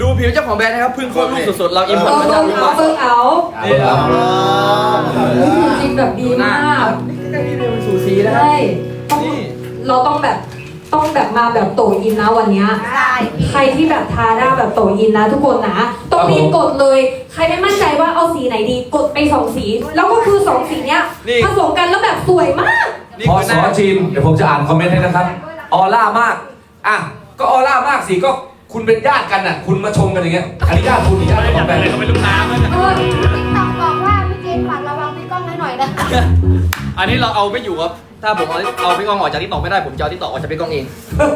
ดูผิวเจ้าของแบรนด์นะครับเพิ่งคลอดลูกสดๆเราอิมพอร์ตมาจากญี่ปุ่นเพิ่งเอานี่ครับจริงแบบดีมากใกล้ๆนี่เป็นสูสีนะใช่ต้องนี่เราต้องแบบมาแบบโตอินนะวันเนี้ยใช่ใครที่แบบทาหน้าแบบโตอินนะทุกคนนะต้องรีบกดเลย ใครไม่มั่นใจว่าเอาสีไหนดีกดไป2 สีแล้วก็คือ2 สีเนี้ยผสมกันแล้วแบบสวยมากนี่พอคือหสน้าอทีมเดี๋ยวผมจะอ่านคอมเมนต์ให้นะครับ ออร่ามาก อ่ะ ก็ออร่ามากสิก็คุณเป็นญาติกันน่ะ คุณมาชมกันอย่างเงี้ย อันนี้ญาติคุณหรือญาติเจ้าของแบรนด์ติ๊กต็อกบอกว่าพี่เจนฝากระวังพี่ก้องให้หน่อยนะอันนี้เราเอาไม่อยู่ครับถ้าผมเอาพี่กองออกจากทิกตอกไม่ได้ผมจะเอาทิกตอกออกจากพี่กองเอง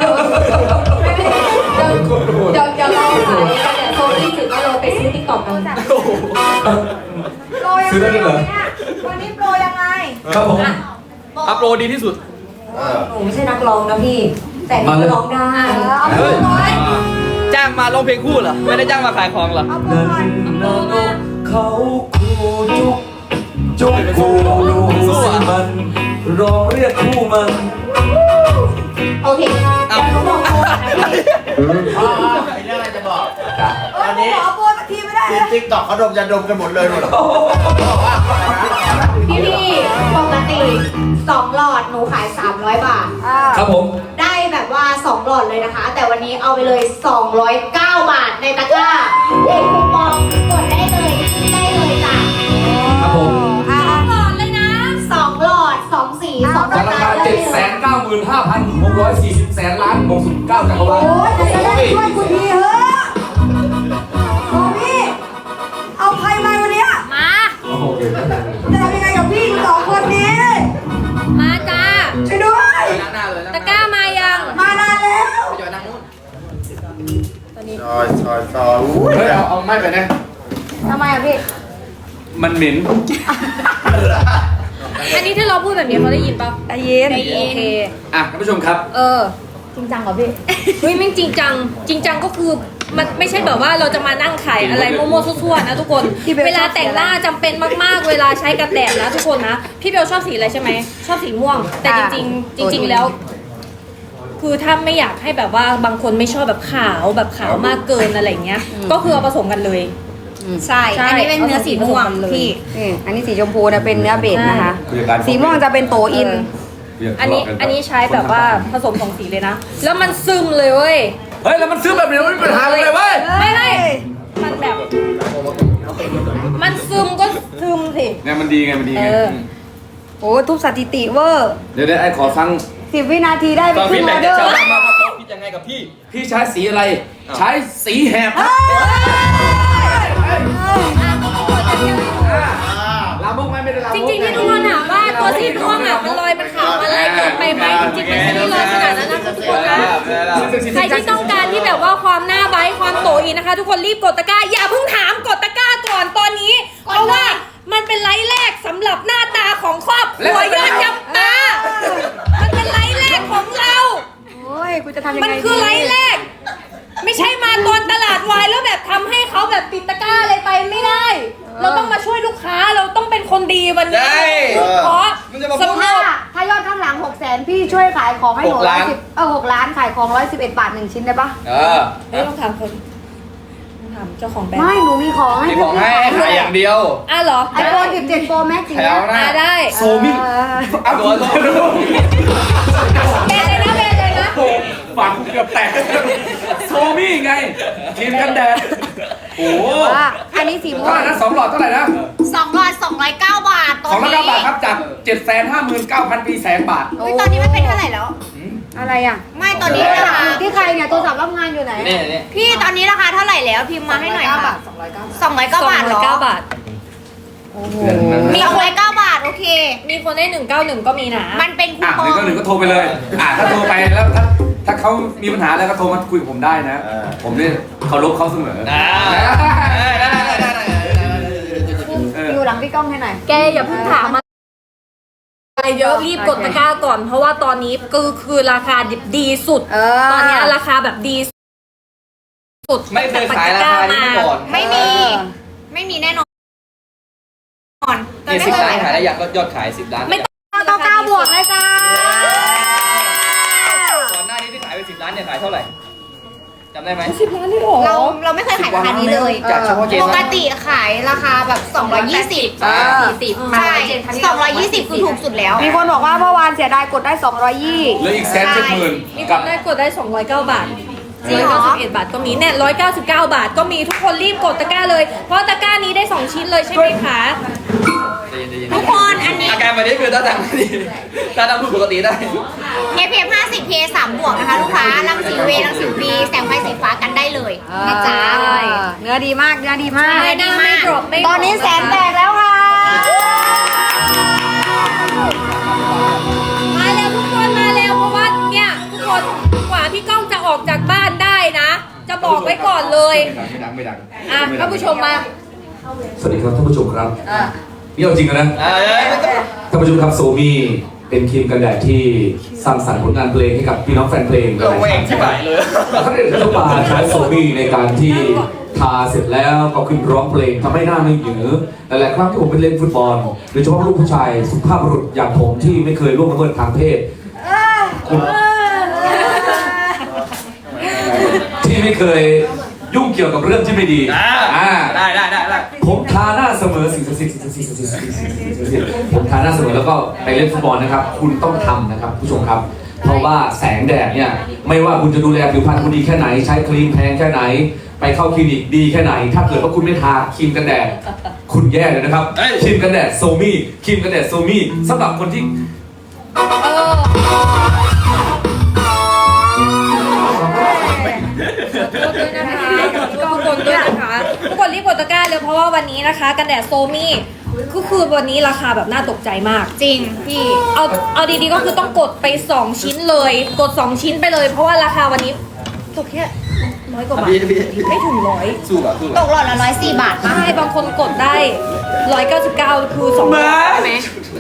เดี๋ยวเราขายกันเนี่ยโซนี่ถือว่าเราไปซื้อติ๊กต็อกกันโปรยังไงเนี่ยวันนี้โปรยังไงครับผมอัพโหลดดีที่สุดหนูไม่ใช่นักร้องนะพี่ แต่หนูร้องได้เอาโปรหน่อยจ้างมาร้องเพลงคู่เหรอไม่ได้จ้างมาขายของเหรอเอาโปรหน่อยเขาคู่จุกคู่ดูสิมันร้องเรียกคู่มันโอเคเดี๋ยวหนูบอกโปรก่อนนะพี่มีเรื่องอะไรจะบอกเออผมขอโปรสักทีไม่ได้เลทียมติ๊กต็อกเขาดมยาดมกันหมดเลยหมดพี่ปกติ2 หลอดหนูขาย300 บาทครับผมได้แบบว่า2 หลอดเลยนะคะ แต่วันนี้เอาไปเลย209 บาทในตะกร้าเด็กคูปองกดได้เลยจ้ะครับผม 2 หลอดเลยนะ2 หลอด2 สี2 ราคา 795,640 แสนล้าน69จักรวาลโอ้ยจะได้ช่วยคุณทีเถอะโอ้พี่เอาใครมาวันเนี้ยมาโอเคจะทำยังไงกับพี่2 คนนี้มาจ้าช่วยด้วยนั่งหน้าเลยตะกร้ามายังมานานแล้วจอยนั่งนู้นซอยเฮ้ยเอาไม่ไปนะทำไมอ่ะพี่มันเหม็นอันนี้ถ้าเราพูดแบบนี้เขาได้ยินปะได้ยินได้ยินโอเคอ่ะท่านผู้ชมครับจริงจังเหรอพี่เฮ้ยแม่งจริงจัง จริงจังก็คือมันไม่ใช่แบบว่าเราจะมานั่งขายอะไรโมโม่ซั่วๆนะทุกคน เวลาแต่งหน้าจำเป็นมากๆ เวลาใช้กันแดดนะทุกคนนะ พี่เบลชอบสีอะไรใช่ไหม ชอบสีม่วง แต่จริงๆจริง ๆแล้ว คือถ้าไม่อยากให้แบบว่าบางคนไม่ชอบแบบขาวแบบขาวมากเกินอะไรเงี้ย ก็คือเอาผสมกันเลยใช่ใช่อันนี้เป็นเนื้อสีม่วงผสมกันเลยพี่อันนี้สีชมพูนะเป็นเนื้อเบสนะคะผู้จัดการสีม่วงจะเป็นโตอินอันนี้ใช้แบบว่าผสมสองสีเลยนะ แล้วมันซึมเลยเว้ยเฮ้ย แล้วมันซื้อแบบนี้ไม่มีปัญหาเลยเว้ยไม่มันแบบ มันซึมก็ซึมสิเนี่ยมันดีไง มันดีไงโอ้ทุบสถิติเวอร์เดี๋ยวไอ้ขอฟัง 10 วินาทีได้ไปตอนครึ่พี่งแบออบ เดจะอร์ชาวบ้านมาว่าเขาคิดยังไงกับพี่พี่ใช้สีอะไร ใช้สีแหบครับลาบุกไม่ได้ลาจบุกริงๆที่ทุกคนถามว่าตัวสีม่วงอ่ะมันลอยมันขาวอะไรเกินไปไหมจริงๆมันไม่ได้ลอยขนาดนั้นนะทุกคนนะใครที่ต้องการที่แบบว่าความหน้าไบท์ความโตอีนะคะ ทุกคนรีบกดตะกร้าอย่าเพิ่งถามกดตะกร้าก่อนตอนนี้ เพราะว่ามันเป็นไลฟ์แรกสำหรับหน้าตาของครอบครัวยอดจำปามันเป็นไลฟ์แรกของเราโอ้ยกูจะทำยังไงมันคือไลฟ์แรก ไม่ใช่มาตอนตลาดวายแล้วแบบทำให้เขาแบบปิดตะกร้าอะไรไปไม่ได้ เราต้องมาช่วยลูกค้าเราต้องเป็นคนดีวันนี้ใช่เพราะมันจะมาสำหรับถ้ายอดข้างหลัง600,000พี่ช่วยขายของให้หนู 6 ล้าน 6 ล้านขายของ111 บาท1 ชิ้นได้ปะเฮ้ยต้องถามคนต้องถามเจ้าของแบรนไม่ด์หนูมีของให้มีพี่ของให้ขายอย่างเดียวเหรอไอโฟน17 Pro Max จริงแถวหน้าได้โซมิงเอาตัวแบรนด์เลยนะแบรนด์เลยนะฝังเกือบแตก โซมี่ไงครีมกันแดด โอ้โหว่าอันนี้สีม่วเท่าง ไหร่นะ2 หลอดเท่าไหร่นะ 2 หลอด209 บาทตอน 209 นี้บาทครับจาก 759,000 ปีแสนบาทอุ๊ยตอนนี้มันเป็นเท่าไหร่แล้วอะไรอ่ะไม่ตอนนี้ราคาที่ใครเนี่ยโทรศัพท์รับงานอยู่ไหนนี่พี่ตอนนี้ราคาเท่าไหร่แล้วพิมพ์มาให้หน่อยค่ะ209 บาทเหรอ 209 บาทมี209 บาทโอเคมีคนได้191ก็มีนะมันเป็นคูอ่ะปอง 191ก็โทรไปเลย ถ้าโทรไปแล้วถ้าเขามีปัญหาแล้วก็โทรมาคุยกับผมได้นะ ผมเนี่ยเคารพเขาเสมออยู่หลังพี่ก้องให้หน่อยแกอย่าเพิ่งถามอะไรเยอะรีบกดตะกร้าก่อน เพราะว่าตอนนี้คือราคาดีสุด ตอนนี้ราคาแบบดีสุดไม่เคยขายราคานี้มาก่อนไม่มี ไม่มีแน่นอนนี่10 ล้านขายได้อยากยอดขาย10 ล้านไม่ต้อง 9 บวกเลยจ้าก่อนหน้านี้ที่ขายไป10 ล้านเนี่ยขายเท่าไหร่จจำได้ไหม 10 ล้านเลยเหรอเราไม่เคยขายราคานี้เลยจากเฉพาะเจนปนะกติขายราคาแบบ220 อ่าใช่220คือถูกสุดแล้วมีคนบอกว่าเมื่อวานเสียดายกดได้220 เหลืออีก170,000 มีคกับนได้กดได้ 209 บาทจริงเหรอ 191 บาทก็มีเนี่ย199 บาทก็มีทุกคนรีบกดตะกร้าเลย เพราะตะกร้านี้ได้ 2 ชิ้นเลยใช่ไหมคะทุกคนอันนี้อาการแบบนี้คือถ้าทำไม่ดีถ้าทำพูดปกติได้ SPF 50 PA 3 บวกนะคะ ลูกค้ารังสีเวรังสีบีแสงไฟสีฟ้ากันได้เลยนะจ๊ะเนื้อดีมาก เนื้อดีมากใช่หน้าไม่ดรอปไม่ตอนนี้แสนแตกแล้วค่ะมาแล้วทุกคนมาแล้วเพราะว่าเนี่ยทุกคนกว่าพี่ก้องจะออกจากบ้านได้นะ จะบอกไว้ก่อนเลยไม่ดังอ่ะท่านผู้ชมมาสวัสดีครับท่านผู้ชมครับนี่เอาจริงนะเอ้ยไม่ต้องท่านผู้ชมครับโซมี่เป็นครีมกันแดดที่สร้างสรรค์ผลงานเพลงให้กับพี่น้องแฟนเพลงเราเองที่ไหนเลยท่านเอกรัฐบาลใช้โซมี่ในการที่ทาเสร็จแล้วก็ขึ้นร้องเพลงทำให้หน้าไม่หยือหลายๆครั้งที่ผมไปเล่นฟุตบอลโดยเฉพาะลูกผู้ชายสุภาพบุรุษอย่างผมที่ไม่เคยล่วงละเมิดทางเพศที่ไม่เคยยุ่งเกี่ยวกับเรื่องที่ไม่ดีได้ผมทาหน้าเสมอสิ่งศักดิ์สิทธิ์ผมทาหน้าเสมอแล้วก็ไปเล่นฟุตบอลนะครับ คุณต้องทำนะครับผู้ชมครับ เพราะว่าแสงแดดเนี่ยไม่ว่าคุณจะดูแลผิวพรรณคุณดีแค่ไหนใช้ครีมแพงแค่ไหน ไปเข้าคลินิกดีแค่ไหน ถ้าเกิดว่าคุณไม่ทาครีมกันแดดคุณแย่เลยนะครับครีมกันแดดโซมี่ครีมกันแดดโซมี่สำหรับคนที่ด้วยนะคะทุกคนด้วยนะคะทุกคนรีบกดตะกร้าเลยเพราะว่าวันนี้นะคะกันแดดโซมี่ก็คือวันนี้ราคาแบบน่าตกใจมากจริงพี่เอาดีๆก็คือต้องกดไป2ชิ้นเลยกด2ชิ้นไปเลย เพราะว่าราคาวันนี้ตกแค่100 กว่าบาทไม่ถึง100 สู้แบบตกหลอดละ104 บาทป่ะใช่บางคนกดได้199คือ2บาทใช่ไหม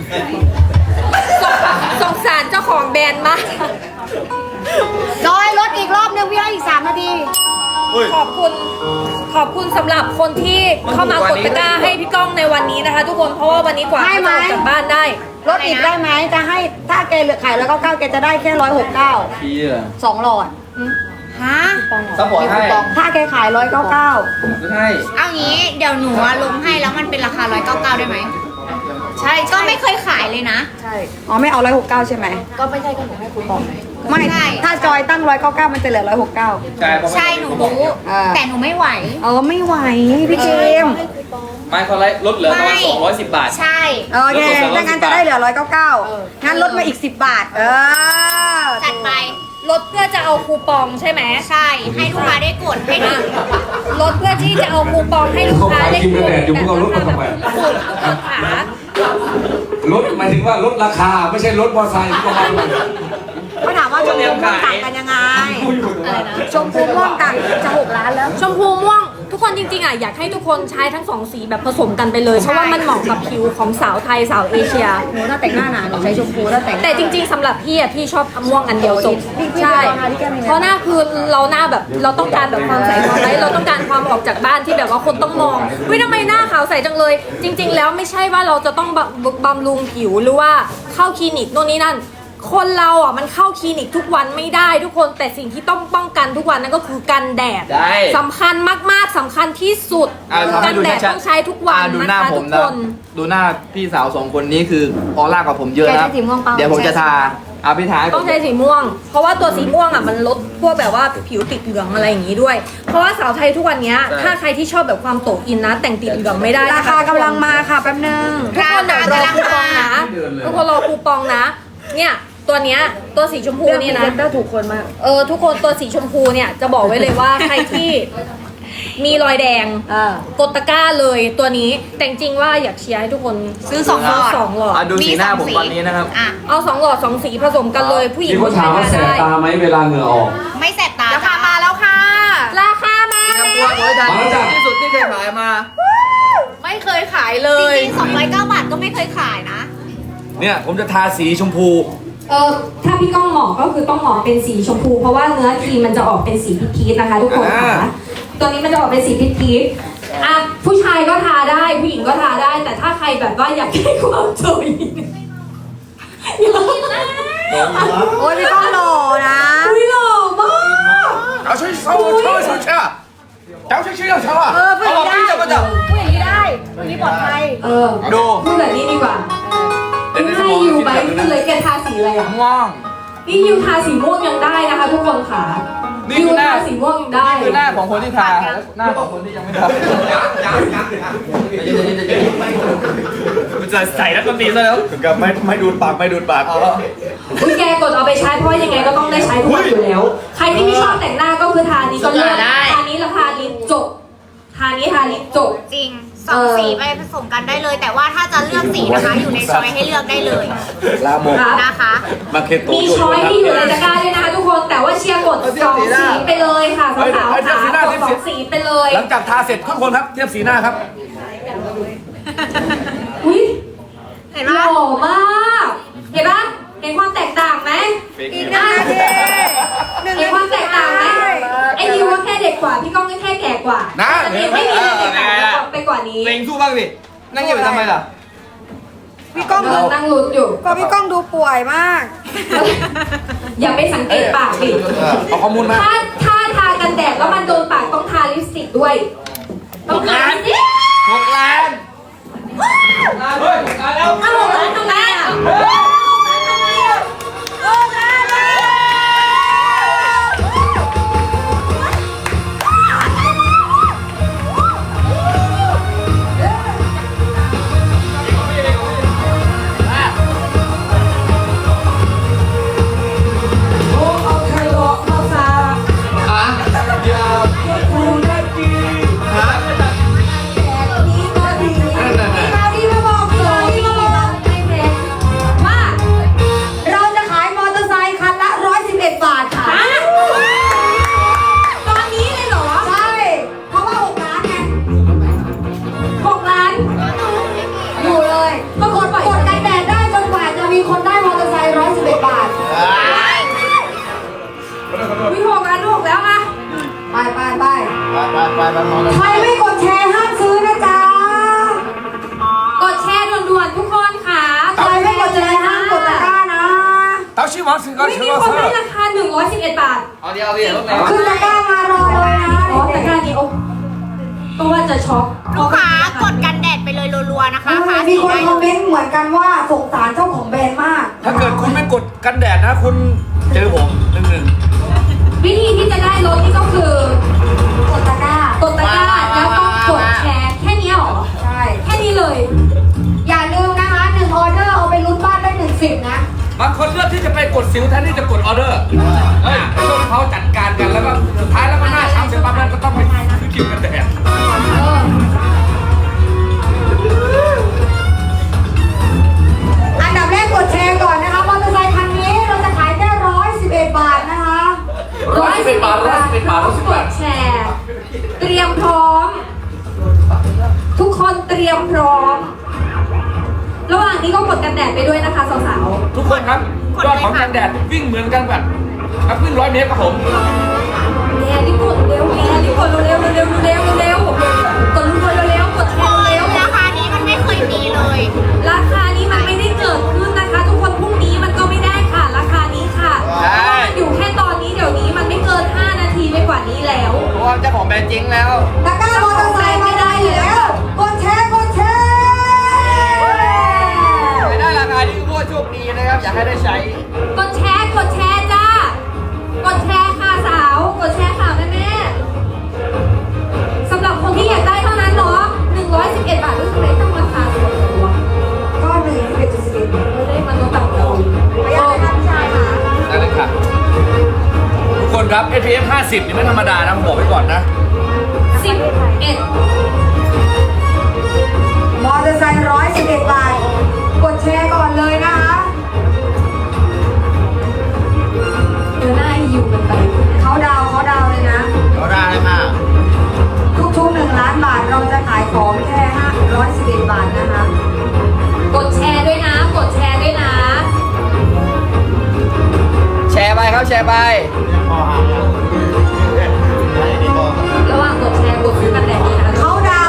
สงสารเจ้าของแบรนด์มากจอยลดอีกรอบนึงพี่ให้อีก3 นาทีขอบคุณสำหรับคนที่เข้ามากดตะกร้าให้พี่ก้องในวันนี้นะคะ ทุกคนเพราะว่าวันนี้กว่าให้จะไหมออกจากบ้านได้ลดอีกได้ไหม จะให้ถ้าแกเหลือขาย199แกจะได้แค่169 พี่อะ 2 หลอดฮะซัพพอร์ตให้ถ้าแกขาย199 ไม่ให้เอางี้เดี๋ยวหนูลงให้แล้วมันเป็นราคา199ได้ไหม ใช่ก็ไม่เคยขายเลยนะใช่ อ๋อไม่เอา169ใช่ไหมก็ไม่ใช่ก็หนูให้คุณบอกไม่ใช่ถ้าจอยตั้ง199มันจะเหลือ169 ใช่เพราะใช่หนูรู้ แต่หนูไม่ไหวไม่ไหวพี่เจมส์ไม่เขาไล่ลดเหลือประมาณ210 บาทใช่โอเคถ้างั้นจะได้เหลือ199งั้นลดมาอีก10 บาทจัดไปลดเพื่อจะเอาคูปองใช่ไหมใช่ให้ลูกค้าได้กดให้ดูลดเพื่อที่จะเอาคูปองให้ลูกค้าได้เขาขายครีมกันแดดอยู่พวกเราลดมาทำไมขาลดหมายถึงว่าลดราคาไม่ใช่ลดมอเตอร์ไซค์ที่ประมาณเขาถามว่าชมพูม่วงต่างกันยังไง ชมพูม่วงต่างจะ6 ล้านแล้วชมพูม่วงทุกคนจริงๆอ่ะอยากให้ทุกคนใช้ทั้งสองสีแบบผสมกันไปเลย เพราะว่ามันเหมาะกับผิวของสาวไทยสาวเอเชียหนูถ้าแต่งหน้าหนาหนูใช้ชมพูถ้าแต่งแต่จริงๆสำหรับพี่อ่ะพี่ชอบม่วงอันเดียวจบพี่ใช่พี่แก้มยังไงเพราะหน้าคือเราหน้าแบบเราต้องการแบบความใสความไร้เราต้องการความออกจากบ้านที่แบบว่าคนต้องมองวิทำไมหน้าขาวใสจังเลย จริง ๆ แล้วไม่ใช่ว่าเราจะต้องบำรุงผิวหรือว่าเข้าคลินิกโน่นนี่นั่น คนเราอ่ะมันเข้าคลินิกทุกวันไม่ได้ทุกคนแต่สิ่งที่ต้องป้องกันทุกวันนั่นก็คือกันแดดได้สำคัญมากๆสำคัญที่สุดทำให้กันดูแดดชัดต้องใช้ทุกวันดูหนะน้าคะผทุมกนะคนดูหน้าพี่สาว2 คนนี้คือออร่ากว่าผมเยอะนะแกใช้สีม่วงเปล่าเดี๋ยวผมจะทาเอาพี่ทาให้ผต้อมงใช้สีม่วง เพราะว่าตัวสีม่วงอ่ะมันลดพวกแบบว่าผิวติดเหลืองอะไรอย่างนี้ด้วย เพราะว่าสาวไทยทุกวันเนี้ยถ้าใครที่ชอบแบบความโตอินนะ แต่งติดเหลืองไม่ได้รานะคะคากำลังมาค่ะแป๊บนึงทุกคนเดี๋ยวรอคูปองนะทุกคนรอคูปองนะ เนี่ยตัวเนี้ยตัวสีชมพูนี่นะได้ถูกคนมากทุกคนตัวสีชมพูเนี่ยจะบอกไว้เลยว่า ใครที่มีรอยแดงกดตะกร้าเลยตัวนี้แต่จริงๆว่าอยากเชียร์ให้ทุกคนซื้อ2 หลอดสองหลอดดูสีหน้าผมวันนี้นะครับอ่ะเอา2 หลอด 2 สีผสมกันเลยผู้หญิงมีคนถามว่าแสบตาไหมเวลาเหงื่อออกไม่แสบตาราคามาแล้วค่ะราคามาเตรียมตัวโดยทางที่สุดที่เคยขายมาไม่เคยขายเลจยริงๆ209 บาทก็ไม่เคยขายนะเนี่ยผมจะทาสีชมพูถ้าพี่ก้องเหมาะก็คือต้องเหมาะเป็นสีชมพู เพราะว่าเนื้อครีมมันจะออกเป็นสีพีชๆนะคะ ทุกคนค่ะตัวนี้มันจะออกเป็นสีพีชๆอ่ะผู้ชายก็ทาได้ผู้หญิงก็ทาได้ แต่ถ้าใครแบบว่าอยากได้ความสวยอยากโอ้ยพี่ก้องหล่อนะอุ้ยหล่อมากเอาช่วยเช่าเช่าเช่าเช่าเจ้าช่วยเช่าเช่าอ่ะพูดอย่างนี้ได้พูดอย่างนี้ได้พูดอย่างนี้ปลอดภัยดูพูดแบบนี้ดีกว่าให้ยูไปพูดเลยแกทาสีอะไรอ่ะม่วงนี่ยูทาสีม่วงยังได้นะคะ ทุกคนค่ะนี่ยูคือหน้าทาสีม่วงยังได้คือหน้าของคนที่ทาและหน้าของคนที่ยังไม่ทามันจะใส่แล้วก็มีซะแล้วกับไม่ดูดปากไม่ดูดปากคุณแกกดเอาไปใช้เพราะยังไงก็ต้องได้ใช้ทุกวันอยู่แล้ว ใครที่ไม่ชอบแต่งหน้าก็คือทานี้ก็เลือกทานี้แล้วทาลิปจบทานี้ทาลิปจบจริงสองสีไปผสมกันได้เลย แต่ว่าถ้าจะเลือกสีนะคะ อยู่ในช้อยให้เลือกได้เลยลาโมครับนะคะมาเคโตมีช้อยที่อยู่ในตะกร้าด้วยนะคะทุกคนแต่ว่าเชียร์กดสองสีไปเลยค่ะสาวๆค่ะกดสองสีไปเลยหลังจากทาเสร็จทุกคนครับเทียบสีหน้าครับอุ้ยเห็นหปะล่อมากเห็นปะเห็นความแตกต่างไหมอีกหนึ่งนาทีหนึ่งเห็นนาความทีแตกต่างไหมไอ้นิวก็แค่เด็กกว่าพี่ก้องก็แค่แก่กว่าแต่นี่ไม่มีอะไรแตกต่างไปกว่านี้เล็งสู้บ้างสินั่งเงียบไปทำไมล่ะพี่ก้องดูนั่งลุ้นอยู่ก็พี่ก้องดูป่วยมากอย่าไปสังเกตปากดิเอาข้อมูลมาถ้าทากันแดดแล้วมันโดนปากต้องทาลิปสติกด้วยต้องทาลิปสติก 6 ล้านเฮ้ย6 ล้านแล้วอ้าวแล้วทำไมอ่ะเราจะขายมอเตอร์ไซค์คันละ111 บาทค่ะตอนนี้เลยเหรอใช่ เพราะว่า6 ล้านไง 6 ล้านอยู่เลยก็กดกันแดดได้จนกว่าจะมีคนได้มอเตอร์ไซค์111 บาทวิ6 ล้าน6แล้วอ่ะไปไปมองเลยใครไม่กดแชร์ห้ามซื้อนะจ๊ะกดแชร์ด่วนๆทุกคนค่ะใครไม่กดแชร์ห้ามกดตะกร้านะเต้าชื่อวังสิงก็ไม่ชื่มีอว่าคนเซอให้ร์ราคา111 บาทเอาดิเอาดิรถไหนวะขึ้นตะกร้ามารอเลยนะอ๋อแต่การนี้โอ้ก็ว่าจะช็อกลูกค้ากดกันแดดไปเลยรัวๆนะคะทามีสีคนได้คอมเมเลยนต์เหมือนกันว่าสงสารเจ้าของแบรนด์มากถ้าเกิดคุณไม่กดกันแดดนะคุณเจอผม1-1 วิธีที่จะได้รถนี่ก็คือกดตะกร้ากดตะกร้าแล้วก็กดแชร์แค่นี้หรอใช่แค่นี้เลยอย่าลืมนะคะ1ออเดอร์เอาไปลุ้นบ้านได้1สิบนะบางคนเลือกที่จะไปกดสิวแทนที่จะกดออเดอร์ช่วงเขาจัดการกันแล้วก็สุดท้ายแล้วก็หน้าช้ำเสร็จปั๊บนั้นก็ต้องไปซื้อครีมกันแดดอันดับแรกกดแชร์ก่อนนะคะมอเตอร์ไซค์คันนี้เราจะขายแค่111 บาทนะคะ 111 บาท111 บาทกดแชร์ เตรียมพร้อม ทุกคนเตรียมพร้อม ระหว่างนี้ก็กดกันแดดไปด้วยนะคะสาวทุกคนครับยอดของกันแดดวิ่งเหมือนกันแบบวิ่ง100 เมตรครับผมๆแชร์รีบกดเร็วแชร์รีบกดเร็วๆเร็วๆเร็วๆเร็วๆกดเร็วๆกดแชร์เร็วราคานี้มันไม่เคยมีเลยๆราคานี้มันไม่ได้เกิดขึ้นนะคะ ทุกคนพรุ่งนี้มันก็ไม่ได้ค่ะ ราคานี้ค่ะมันอยู่แค่ตอนนี้เดี๋ยวนี้มันไม่เกิน 5 นาทีไปกว่านี้แล้วเพราะว่าเจ้าของแบรนด์เจ๊งแล้วตะกร้ามอเตอร์ไซค์ไม่ได้แล้วกดแชร์กดแชร์ไม่ได้ราคานี้คือพวกโชคดีนะครับ อยากให้ได้ใช้กดแชร์จ้ากดแชร์ค่ะสาว กดแชร์ค่ะแม่ๆสำหรับคนที่อยากได้เท่านั้นเนาะ111 บาทรู้สึกเลยต้องราคาสูงกว่าก็111 ไม่ได้มันลดต่ำกว่าไม่ยากเลยค่ะพี่ชายค่ะได้เลยค่ะทุกคนครับ SPF 50 นี่ไม่ธรรมดานะผมบอกไว้ก่อนนะ 11 มอเตอร์ไซค์111 บาท กดแชร์ก่อนเลยนะคะเดี๋ยวหน้าอยู่กันไปเขาดาวเลยนะก็ได้เลยค่ะทุกๆ1 ล้านบาทเราจะขายของแค่111 บาทนะคะกดแชร์ด้วยนะ กดแชร์ด้วยนะแชร์ไปครับแชร์ไประหว่างกดแชร์กดซื้อกันแดดนี้นะคะเขาดาว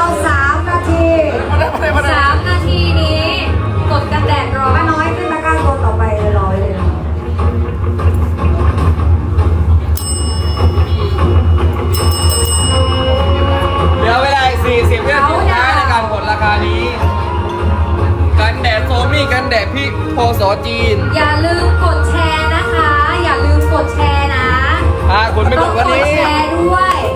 แดดพี่พศจีนอย่าลืมกดแชร์นะคะ อย่าลืมกดแชร์นะคนไม่กต้อดงวันกดนี้แชร์ด้วย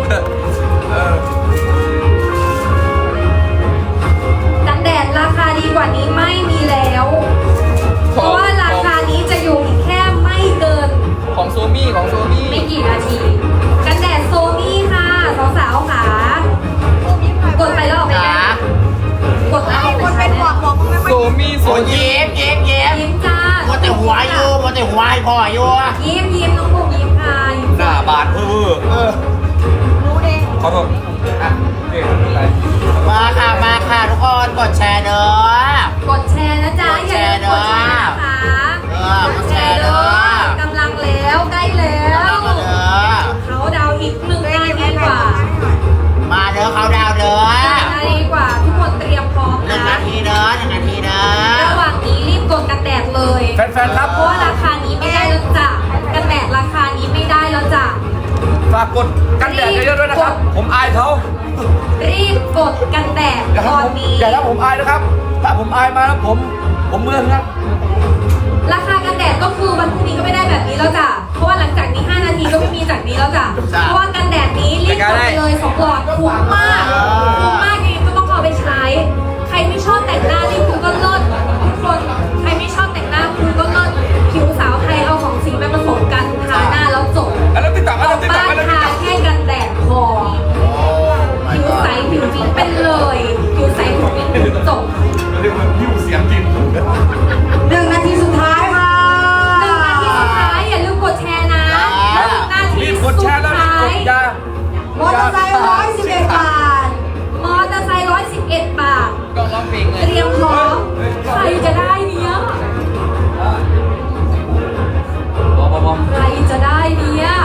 กันแดดราคาดีกว่านี้ไม่มีแล้ว เพราะว่าราคานี้จะอยู่อีกแค่ไม่เกินของโซมี่ไม่กี่นาที กันแดดโซมี่ค่ะสาวๆค่ะ กดไปแล้วออกไปได้กดแล้วออกไปใช้เนี่ยโซมี่โอ้ยิ้มยิ้มจ้ามัวแต่หัวอยู่มัวแต่หัวให้พ่ออยู่ยิ้มน้องบุกยิ้มค่ะยิ้มหน้าบาดเออขอโทษอ่ะนี่ไปมาค่ะทุกคนกดแชร์เด้อกดแชร์นะจ๊ะอย่าลืมกดแชร์นะคะกดแชร์เด้อกำลังแล้วใกล้แล้ว เขาดาวอีก1 นาทีกว่ามาเด้อเขาดาวเด้อ 1 นาทีกว่าทุกคนเตรียมพร้อม 1 นะนาทีเด้อ1 นาทีเด้อระหว่างนี้รีบกดกันแดดเลยแฟนๆครับเพราะว่าราคานี้ไม่ได้แล้วจ้ะกันแดดราคานี้ไม่ได้แล้วจ้ะฝากกดกันแดดเยอะๆด้วยนะครับ ผมอายเขารีบกดกันแดดอย่าตอนทำผมนี้อย่าทำผมอายนะครับ ถ้าผมอายมาแล้วผมเมื่อนครับราคากันแดดก็คือวันพรุ่งนี้ก็ไม่ได้แบบนี้แล้วจ้ะ เพราะว่าหลังจากนี้ 5 นาทีก็ไม่มีจากนี้แล้วจ้ะ เพราะว่ากันแดดนี้รีบกดไปเลย2 หลอดคุ้มมากคุ้มมากจริงๆก็ต้องเอาไปใช้ ใครไม่ชอบแต่งหน้ารีบคุณก็เลิศทุกคน ใครไม่ชอบแต่งหน้าคุณก็เลิศผิวสาวไทยเอาของสีมาผสมกันทาหน้าแล้วจบแล้วติ๊กต็อกออกบ้านทาแค่กันแดดพอ ผิวใสผิวปิ๊งเป็นเลย ผิวใสผิวปิ๊งจบ 1 นาทีสุดท้ายค่ะ 1 นาทีสุดท้ายอย่าลืมกดแชร์นะ1 นาทีรีบกสุดดแชร์แล้วท้ารีบกยดยามอเตอร์ไซค์111 บาทมอเตอร์ไซค์111 บาทก็ร้องเพลงเลเตยรียมพร้อม ใครจะได้เนี้ยบอมใครจะได้เนี้ย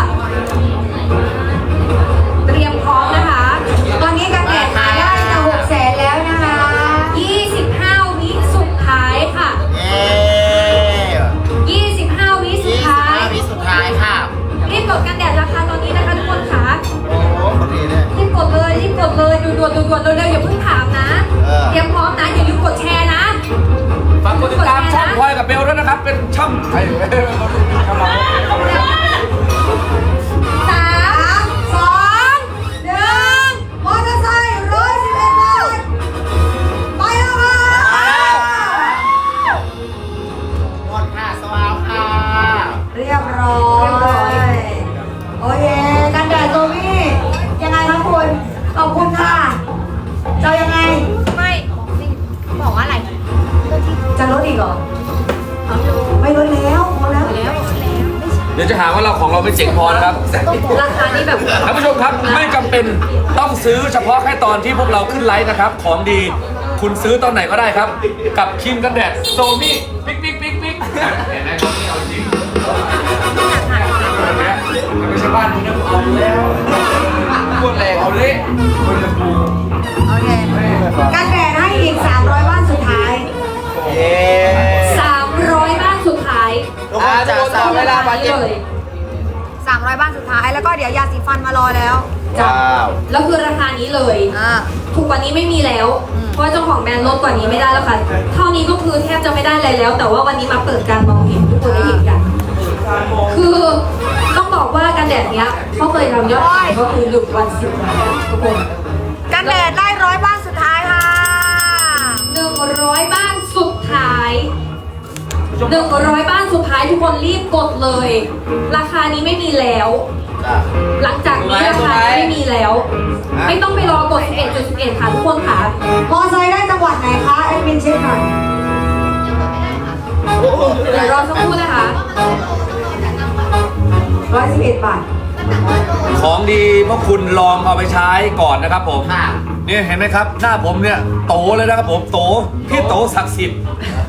เตรียมพร้อมนะคะตอนนี้กันแดดขายได้จะ600,000แล้วนะคะ 25 วิสุดท้ายค่ะ 25 วิสุดท้ายวิสุดท้ายค่ะรีบกดกันแดดราคาตอนนี้นะคะทุกคนค่ะโอ้คนดีเนี่ยรีบกดเลยด่วนๆเร็วๆอย่าเพิ่งถามนะ เตรียมพร้อมนะอย่าลืมกดแชร์นะฝากกดติดตามช่องพลอยกับเบลด้วยนะครับ เป็นช่องไอ้กำลัง 3 2 1 มอเตอร์ไซค์111 บาท ไปแล้วค่ะหมดค่ะสวาวค่ะเรียบร้อย โอเค กันแดดโซมี่ยังไงคะคุณ ขอบคุณค่ะ จะยังไงไม่บอกว่าอะไรจะลดอีกเหรอ ไม่ลดแล้วพอแล้วเดี๋ยวจะหาว่าเราของเราไม่เจ๋งพอนะครับราคานี้แบบท่านผู้ชมครับไม่จำเป็นต้องซื้อเฉพาะแค่ตอนที่พวกเราขึ้นไลฟ์นะครับ ของดีคุณซื้อตอนไหนก็ได้ครับ กับครีมกันแดดโซมี่ปิ๊กเห็นไหมครับนี่เอาจริงไม่ใช่บ้านคุณนะเอาแล้วพูดแรงเอาเละคนจะปูโอเค กันแดดให้อีก 300 บ้านสุดท้ายเย้ 300 บ้านสุดท้ายทุกคนจะสาวเวลามาเย็นเลย 300 บ้านสุดท้าย แล้วก็เดี๋ยวยาสีฟันมารอแล้วจ้ะว้าวแล้วคือราคานี้เลย ถูกกว่านี้ไม่มีแล้ว เพราะว่าเจ้าของแบรนด์ลดกว่านี้ไม่ได้แล้วค่ะ เท่านี้ก็คือแทบจะไม่ได้อะไรแล้ว แต่ว่าวันนี้มาเปิดการมองเห็นทุกคนได้เห็นกัน คือต้องบอกว่ากันแดดเนี้ยเขาเคยทำยอดขายก็คือ1 วัน 10 ล้านทุกคนกันแดดได้100 บ้านสุดท้ายค่ะ 100 บ้านสุดท้าย 100 บ้านสุดท้ายทุกคนรีบกดเลย ราคานี้ไม่มีแล้วจ้ะหลังจากนี้ราคานี้ไม่มีแล้ว ไม่ต้องไปรอกด 11.11 ค่ะทุกคนค่ะมอไซค์ได้จังหวัดไหนคะแอดมินเช็คหน่อยเดี๋ยวรอสักครู่นะคะ 111 บาทของดีพวกคุณลองเอาไปใช้ก่อนนะครับผมค่ะนี่เห็นไหมครับ หน้าผมเนี่ยโตเลยนะครับผมโตพี่โตศักดิ์สิทธิ์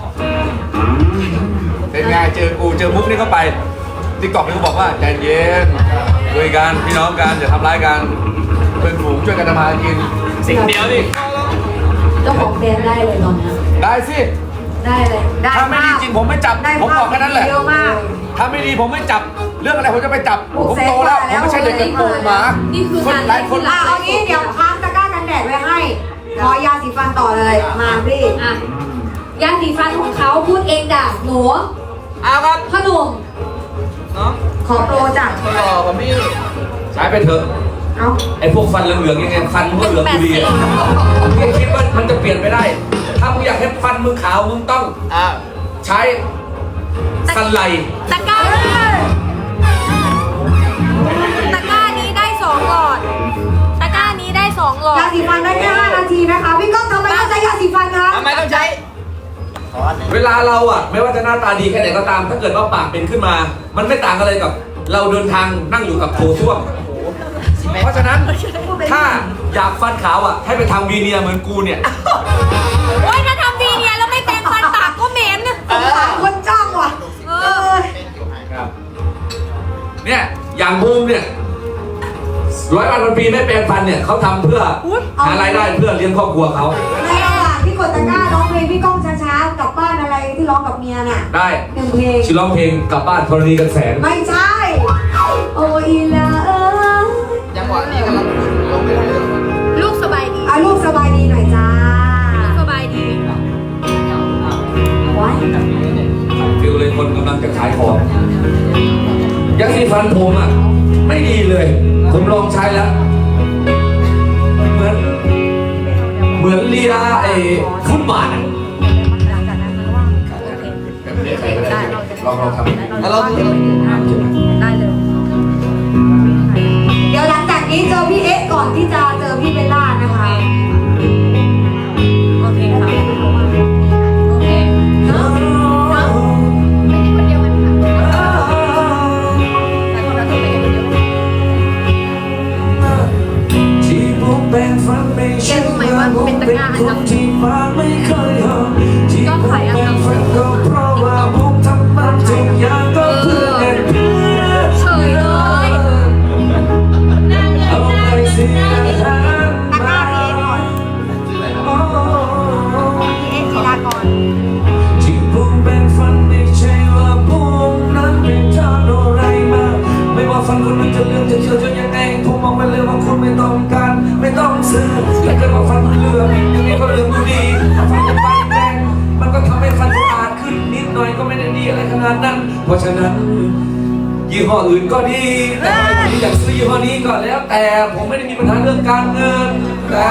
เป็นไงเจอกูเจอมุกนี่เข้าไปติ๊กต็อกนี่เขาบอกว่าใจเย็นคุยกันพี่น้องกันอย่าทำร้ายกันเป็นฝูงช่วยกันทำมาหากินสิ่งเดียวดิเจ้าของแบรนด์ได้เลยตอนนี้ได้สิได้เลยได้ถ้าไม่ดีจริงผมไม่จับได้ผมบอกแค่นั้นแหละเยอะมากถ้าไม่ดีผมไม่จับเรื่องอะไรผมจะไปจับโอ้ผมเซ็งโตแล้วกว่าผแล้มวไม่ใช่เด็กกระโปรงหมานี่คือคนงานหลายคนอ่ะเอางี้เดี๋ยวค้างตะกร้ากันแดดไว้ให้ ขอยาสีฟันต่อเลย มาพี่อ่ะยาสีฟันของเขาพูดเองหนูเอาครับพ่อหนุ่มน้องขอโปรจ้ะคนหล่อกับพี่ใช้ไปเถอะเอาไอ้พวกฟันเหลืองๆยังไงฟันมึงก็เหลืองอยู่ดีอะมึงคิดว่ามันจะเปลี่ยนไปได้ ถ้ามึงอยากให้ฟันมึงขาวมึงต้องอ่าใช้สันไลตะกร้านี้ได้2 หลอด ตะกร้านี้ได้2 หลอดยาสีฟันได้แค่5 นาทีนะคะ พี่ก้องทำไมต้องใช้ยาสีฟันคะทำไมต้องใช้เวลาเราอะไม่ว่าจะหน้าตาดีแค่ไหนก็ตาม ถ้าเกิดว่าปากเป็นขึ้นมา มันไม่ต่างกันเลยกับ เราเดินทางนั่งอยู่กับโถส้วมเพราะฉะนั้นถ้าอยากฟันขาวอะให้ไปทำวีเนียร์เหมือนกูเนี่ยโอ๊ยถ้าทำดีเนี่ยแล้วไม่แปรงฟันปากก็เหม็นสงสารคนจ้างว่ะเอเอออเนี่ยอย่างบูมเนี่ย100 วันปีไม่แปลงฟันเนี่ยเขาทำเพื่อหารายได้เพื่อเลี้ยงครอบครัวเขาในระหว่างที่กดตะกร้าร้องเพลงพี่ก้องช้าๆกลับบ้านอะไรที่ร้องกับเมียน่ะได้ 1 เพลงชิร้องเพลงกลับบ้านธรณีกันแสนไม่ใช่ โอ้ยละเอ้ยจังหวะนี้กำลังลงไปได้เลยลูกสบายดีเอาลูกสบายดีหน่อยจ้าลูกสบายดีไว้ฟิลเลยคนกำลังจะขายของยาสีฟันผมอ่ะไม่ดีเลย ผมลองใช้แล้ว เหมือนเลียไอ้ฟุตบาทอะลองทำแล้วเราดูได้เลยเดี๋ยวหลังจากนี้เจอพี่เอ๊ะก่อนที่จะเจอพี่เบลล่านะคะโอเคค่ะ โอเคเนาะไม่ได้คนเดียวกันค่ะแต่คนเราต้องไปคนเดียวที่ผมแบ่งฝันไม่ใช่ว่าผมเป็นคนที่มาไม่เคยหอมที่ผมแบ่งฝันก็เพราะว่าผมทำมันทุกอย่างก็เพื่อเงินเพื่อเฉยเลยเอาไปเสียหาตะกร้าพี่เอ๊ะก่อนพี่เอ๊ะจีรากรที่ผมแบ่งฝันไม่ใช่ว่าผมนั้นเป็นทางอะไรมาไม่ว่าฝันคุณมันจะเลื่อนจะเชื่อจะยังไงผมมองไปเลยว่าคุณไม่ต้องการไม่ต้องซื้อถ้าเกิดว่าฝันคุณเลือกยังไงก็เลือกอยู่ดีถ้าฝันจะฟันแดงมันก็ทำให้ฟันคุณอาดขึ้นนิดหน่อยก็ไม่ได้ดีอะไรขนาดนั้น เพราะฉะนั้นยี่ห้ออื่นก็ดีแต่ผมอยากซื้อยี่ห้อนี้ก็แล้ว แต่ผมไม่ได้มีปัญหาเรื่องการเงินแต่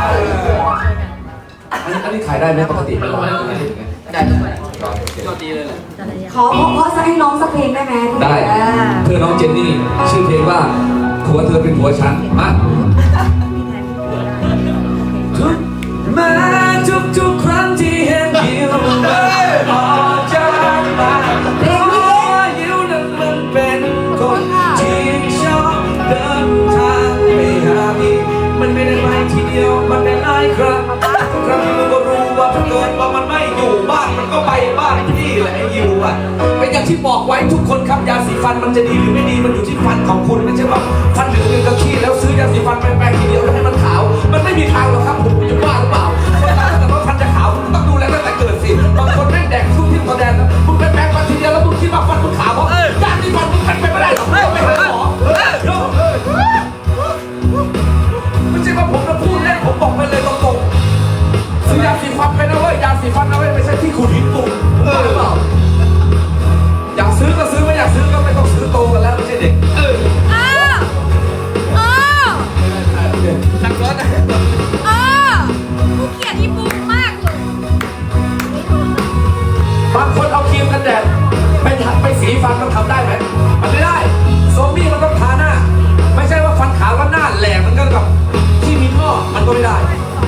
อันนี้ขายได้ไหมปกติไม่ร้อยได้ทุกคนก็ดีเลยแหละขอเพราะจะให้น้องสักเพลงได้ไหมได้ เพื่อน้องเจนนี่ชื่อเพลงว่าผัวเธอเป็นผัวฉันมาแม้ทุกครั้งที่เห็นยิ้วออกจากบ้านเพราะว่ายิ้วนั้นมันเป็นคนที่ชอบเดินทางไปหาพี่มันไม่ได้ไปทีเดียวมันได้หลายครั้งครั้งนึงก็รู้ว่าถ้าเกิดว่ามันไม่อยู่บ้านมันก็ไปบ้านพี่แหละไอ้ยิวอ่ะเป็นอย่างที่บอกไว้ทุกคนครับยาสีฟันมันจะดีหรือไม่ดีมันอยู่ที่ฟันของคุณไม่ใช่ว่าฟันเหลืองๆก็ขี้แล้วซื้อยาสีฟันไปแปรงทีเดียวแล้วให้มันขาวมันไม่มีทางหรอกครับผมจะว่าหรือเปล่าคนเราถ้าเกิดว่าฟันจะขาวคุณต้องดูแลตั้งแต่เกิดสิบางคนแม่งแดกทุกที่ตัวแดนมึงไปแปรงฟันทีเดียวแล้วมึงคิดว่าฟันมึงขาวเพราะยาสีฟันมึงเป็นไปไม่ได้หรอกไม่ไปหาหมอไม่ใช่ว่าผมจะพูดเล่นผมบอกไปเลยตรงๆซื้อยาสีฟันไปนะเว้ยยาสีฟันนะเว้ยไม่ใช่ที่ขูดหินปุ่มหรือเปล่าอยากซื้อก็ซื้อไม่อยากซื้อก็ไม่ต้องซื้อโตกันแล้วไม่ใช่เด็กอ้าวอ้าวนักร้องนะอ้าวกูเกลียดอีปูมากเลยบางคนเอาครีมกันแดดไปสีฟันมันทำได้ไหมมันไม่ได้โซมี่มันต้องทาหน้าไม่ใช่ว่าฟันขาวแล้วหน้าแหลกมันก็กับที่มีท่อมันก็ไม่ได้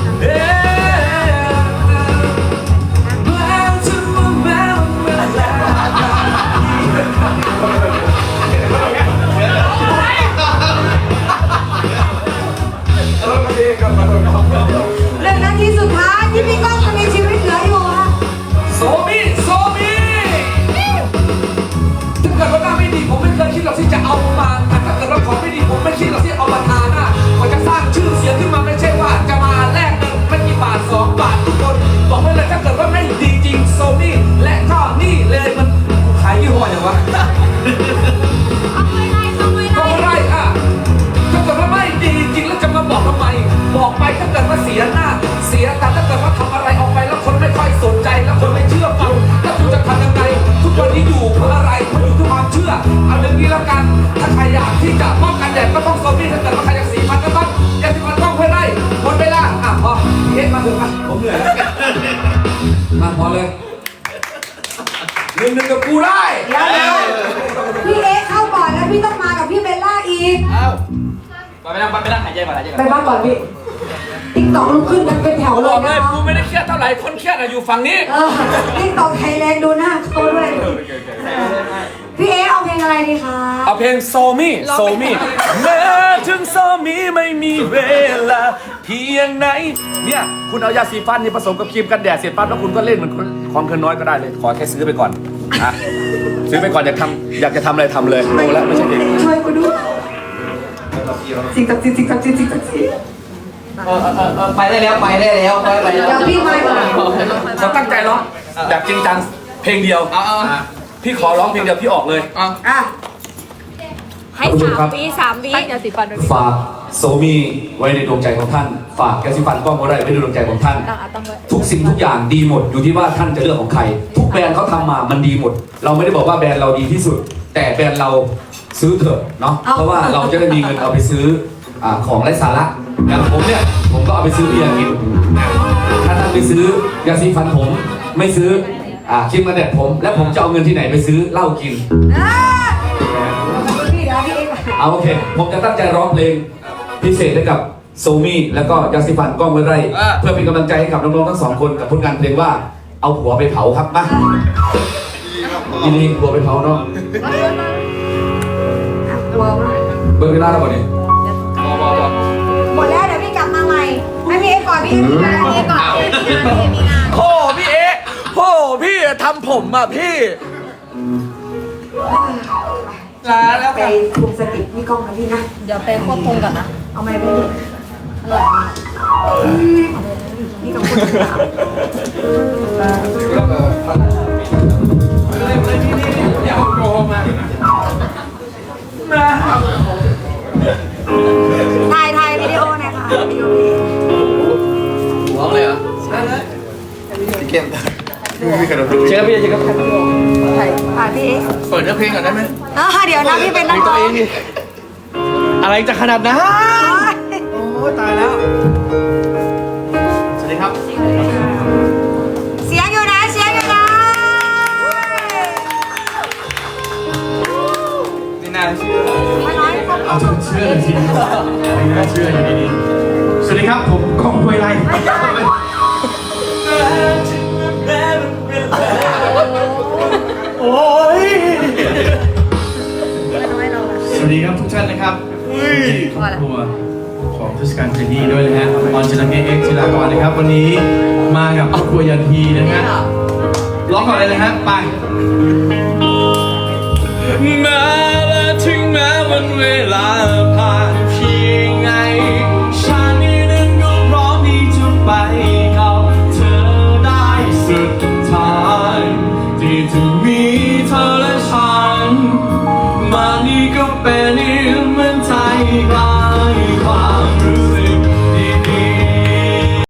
1 นาทีสุดท้ายที่พี่ก้องจะมีชีวิตเหลืออยู่ค่ะโซมี่ถ้าเกิดว่าหน้าไม่ดีผมไม่เคยคิดหรอกที่จะเอามาแต่ถ้าเกิดว่าของไม่ดีผมไม่คิดหรอกที่เอามาทาหน้ามันจะสร้างชื่อเสียงขึ้นมาไม่ใช่ว่าจะมาแลกเงินไม่กี่บาท2 บาททุกคนบอกไว้เลยถ้าเกิดว่าไม่ดีจริงโซมี่และก็นี่เลยมันขายยี่ห้ออย่างวะเอาไว้ไล่เอาไว้ก็ไล่ไม่ได้อ่ะถ้าเกิดว่าไม่ดีจริงแล้วจะมาบอกทำไมบอกไปถ้าเกิดว่าเสียหน้าเสียแต่ถ้าเกิดว่าทำอะไรผมเหนื่อยแล้วมาพอเลยหนึ่งกับกูได้เดี๋ยวพี่เอ๊เข้าก่อนแล้วพี่ต้องมากับพี่เบลล่าอีกเอ้าไปนั่งหายใจก่อนหายใจก่อนไปบ้านก่อนพี่ติ๊กตอกลุกขึ้นกันเป็นแถวเลบยอกเลนะยกูไม่ได้เครียดเท่าไหร่คนเครียดอยู่ฝั่งนี้ติ๊กตอกไทยแลนด์ดูหน้าเขาด้วยพี่เอ๊เอาเพลงอะไรดีคะเอาเพลงโซมี่โซมี่แม้ถึงโซมี่ไม่มีเวลาเพียงไหนเนี่ยคุณเอายาสีฟันนี่ผสมกับครีมกันแดดเสร็จปั๊บแล้วคุณก็เล่นเหมือนของเคินน้อยก็ได้เลยขอแค่ซื้อไปก่อนอ่ะซื้อไปก่อนอยากจะทำอะไรทำเลยดูแล้วไม่ใช่เด็กช่วยกูดูสิงตักสิงตักสิงตักสิไปได้แล้วไปได้แล้วไปแล้วเดี๋ยวพี่มาก่อนเราตั้งใจร้องแบบจริงจังเพลงเดียวเอาพี่ขอร้องเพลงเดียวพี่ออกเลยอ่ะให้3 วิอย่าสีฟันฝากโซมี่ไว้ในดวงใจของท่าน ฝากแกสิฟันกล้องก็ได้ไว้ในดวงใจของท่านตั้งไว้ทุกสิ่งทุกอย่างดีหมดอยู่ที่ว่าท่านจะเลือกของใคร ทุกแบรนด์เขาทำมามันดีหมด เราไม่ได้บอกว่าแบรนด์เราดีที่สุด แต่แบรนด์เราซื้อเถอะเนาะเพราะว่าเราจะได้มีเงินเอาไปซื้อของไร้สาระอย่างผมเนี่ยผมก็เอาไปซื้อเบียร์กินถ้าท่านไปซื้อยาสีฟันผมไม่ซื้อครีมกันแดดผมและผมจะเอาเงินที่ไหนไปซื้อเหล้ากินพี่เดี๋ยวพี่เอ๊เอาโอเค ผมจะตั้งใจร้องเพลงพิเศษให้กับโซมี่แล้วก็ยาสีฟันกล้องไว้ไรเพื่อเป็นกำลังใจให้กับน้องๆทั้งสองคนกับผลงานเพลงว่าเอาผัวไปเผาครับมายินดีผัวไปเผาเนาะกลัวมากเบิร์เวลาแล้วก่อนนี่หมดแล้วเดี๋ยวพี่กลับมาใหม่ให้พี่เอ๊ก่อนพี่เอ๊มีงานพี่เอ๊ก่อนมีงานโอ้พี่เอ๊โอ้พี่ทำผมอ่ะพี่ลาแล้วไปคุมสติพี่กล้องนะพี่นะเดี๋ยวไปควบคุมก่อนนะเอาไม้ไปดิอร่อยมากนี่กับคุณสาวถ่ายวิดีโอหน่อยค่ะวิดีโอพี่หัวเลยเหรอพี่เก่งพี่กระโดดเชิญพี่เชิญครับถ่ายพี่เอ๊เปิดเนื้อเพลงก่อนได้ไหมเดี๋ยวนะพี่เป็นนักร้องอะไรจะขนาดนั้นโอ้ตายแล้ว สวัสดีครับเสียงอยู่นะเสียงอยู่นะนี่น่าเชื่อมาน้อยคนเอาจนเชื่อเลยทีเดียวไม่น่าเชื่ออยู่ดีๆสวัสดีครับผมก้องห้วยไร่โอ้ยสวัสดีครับทุกท่านนะครับครอบครัวของเทศกาลเพลงนี้ด้วยนะฮะออนชลังเอ็กซ์จิรากรนะครับวันนี้มากับครอบครัวยันทีนะฮะร้องก่อนเลยนะฮะไป